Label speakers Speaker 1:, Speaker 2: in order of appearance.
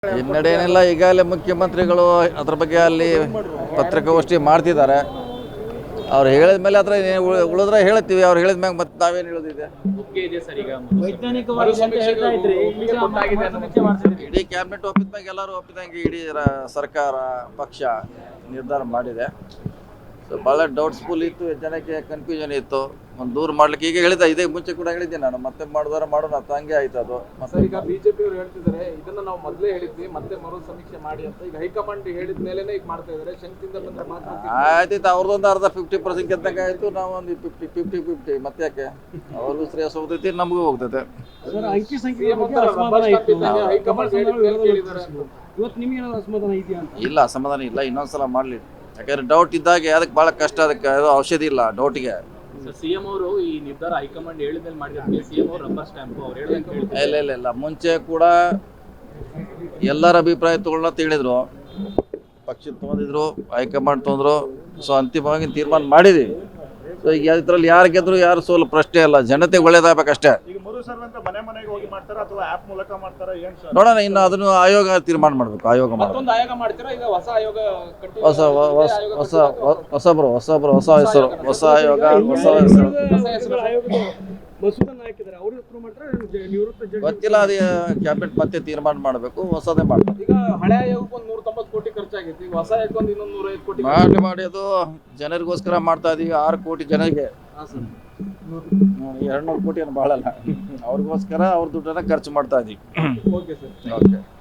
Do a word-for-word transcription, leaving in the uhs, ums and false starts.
Speaker 1: ಹಿನ್ನಡೆಯೇನಿಲ್ಲ. ಈಗಾಗಲೇ ಮುಖ್ಯಮಂತ್ರಿಗಳು ಅದ್ರ ಬಗ್ಗೆ ಅಲ್ಲಿ ಪತ್ರಿಕಾಗೋಷ್ಠಿ ಮಾಡ್ತಿದ್ದಾರೆ. ಅವ್ರು ಹೇಳಿದ ಮೇಲೆ ಅದ್ರ ಉಳಿದ್ರೆ ಹೇಳ್ತೀವಿ, ಅವ್ರು ಹೇಳಿದ ಮ್ಯಾಗ ಮತ್ತೆ ನಾವೇನು ಹೇಳೋದಿದೆ. ಇಡೀ ಕ್ಯಾಬಿನೆಟ್ ಒಪ್ಪಿದ ಮ್ಯಾಗ ಎಲ್ಲರೂ ಒಪ್ಪಿದಂಗೆ ಇಡೀ ಸರ್ಕಾರ ಪಕ್ಷ ನಿರ್ಧಾರ ಮಾಡಿದೆ. ಸೊ ಭಾಳ ಡೌಟ್ಸ್ಫುಲ್ ಇತ್ತು, ಜನಕ್ಕೆ ಕನ್ಫ್ಯೂಷನ್ ಇತ್ತು. ಒಂದು ದೂರ ಮಾಡ್ಲಿಕ್ಕೆ ಈಗ ಹೇಳಿದ, ಇದೇ ಮುಂಚೆ ಕೂಡ ಹೇಳಿದ್ದೆ ನಾನು, ಮತ್ತೆ ಮಾಡಿದ್ರೆ ಮಾಡೋಣ ಅಂತ. ಹಂಗೆ ಆಯ್ತು ಅದು.
Speaker 2: ಮತ್ತೆ ಈಗ ಬಿಜೆಪಿ ಅವರು ಹೇಳ್ತಿದ್ದಾರೆ ಇದನ್ನ ನಾವು ಮೊದಲೇ ಹೇಳಿದ್ವಿ, ಮತ್ತೆ ಮರು ಸಮೀಕ್ಷೆ ಮಾಡಿ ಅಂತ. ಈಗ ಹೈಕಮಾಂಡ್ ಹೇಳಿದ ಮೇಲೆ ಈಗ ಮಾಡ್ತಾ ಇದ್ದಾರೆ. ಶಂಕಿಂದ ಬಂದ್ರೆ ಮಾತ್ರ
Speaker 1: ಆಯ್ತು, ಅವ್ರದ್ದೊಂದು ಅರ್ಧ ಫಿಫ್ಟಿ ಪರ್ಸೆಂಟ್ ಗೆದ್ದಂಗೆ ಆಯ್ತು. ನಾವು ಒಂದು ಫಿಫ್ಟಿ ಫಿಫ್ಟಿ ಫಿಫ್ಟಿ ಮತ್ತೆ ಯಾಕೆ ಅವ್ರಿಗೂ ಶ್ರೇಯಸ್ ಹೋಗ್ತೈತಿ, ನಮಗೂ ಹೋಗ್ತೈತೆ. ಇಲ್ಲ, ಅಸಮಾಧಾನ ಇಲ್ಲ. ಇನ್ನೊಂದ್ಸಲ ಮಾಡ್ಲಿ, ಯಾಕಂದ್ರೆ ಡೌಟ್ ಇದ್ದಾಗ ಅದಕ್ಕೆ ಭಾಳ ಕಷ್ಟ. ಅದಕ್ಕೆ ಅದು ಔಷಧಿ ಇಲ್ಲ ಡೌಟಿಗೆ.
Speaker 2: ಸಿಎಂ ಅವರು ಈ ನಿರ್ಧಾರ ಹೈಕಮಾಂಡ್ ಹೇಳಿದ್ಮೇಲೆ ಮಾಡಿದ್ರೆ ಸಿಎಂ ಅವರು ರಬ್ಬರ್ ಸ್ಟ್ಯಾಂಪ್ ಅವ್ರು ಹೇಳಿದಂಗೆ
Speaker 1: ಇಲ್ಲ ಇಲ್ಲ ಇಲ್ಲ ಮುಂಚೆ ಕೂಡ ಎಲ್ಲರ ಅಭಿಪ್ರಾಯ ತಗೊಳ್ಳೋಣ ಹೇಳಿದ್ರು, ಪಕ್ಷ ತೊಗೊಂಡಿದ್ರು, ಹೈಕಮಾಂಡ್ ತೊಗೊಂಡ್ರು. ಸೊ ಅಂತಿಮವಾಗಿ ತೀರ್ಮಾನ ಮಾಡಿದ್ವಿ. ಸೊ ಈಗ ಇದ್ರಲ್ಲಿ ಯಾರು ಗೆದ್ರು ಯಾರು ಸೋಲು ಪ್ರಶ್ನೆ ಅಲ್ಲ, ಜನತೆ ಒಳ್ಳೇದಾಗಬೇಕಷ್ಟೇ. ನೋಡೋಣ, ಇನ್ನು ಅದನ್ನು ಆಯೋಗ ತೀರ್ಮಾನ ಮಾಡಬೇಕು. ಆಯೋಗ ಹೊಸ ಹೊಸ ಹೊಸಬ್ರು ಹೊಸಬ್ರು ಹೊಸ ಹೆಸರು, ಹೊಸ ಆಯೋಗ, ಹೊಸ ಹೆಸರು ಗೊತ್ತಿಲ್ಲ. ಅದು ಕ್ಯಾಬಿನೆಟ್ ಮತ್ತೆ ತೀರ್ಮಾನ ಮಾಡಬೇಕು, ಹೊಸದೇ ಮಾಡಬೇಕು.
Speaker 2: ಈಗ ಹಳೆ ಆಯೋಗಕ್ಕೆ ಒಂದು ನೂರ ತೊಂಬತ್ತು ಕೋಟಿ ಖರ್ಚಾಗಿತ್ತು, ಈಗ ಹೊಸ ಆಯೋಗ ಒಂದು ಇನ್ನೊಂದು ನೂರೈವತ್ತು ಕೋಟಿ
Speaker 1: ಮಾಡಿ ಮಾಡಿ ಅದು ಜನರಿಗೋಸ್ಕರ ಮಾಡ್ತಾ ಇದೀವಿ. ಆರು ಕೋಟಿ ಜನರಿಗೆ ಎರಡು ನೂರು ಕೋಟಿ ಏನು ಭಾಳ ಅಲ್ಲ, ಅವ್ರಿಗೋಸ್ಕರ ಅವ್ರ ದುಡ್ಡನ್ನ ಖರ್ಚು ಮಾಡ್ತಾ ಇದೀವಿ.
Speaker 2: Okay sir.
Speaker 1: ಓಕೆ.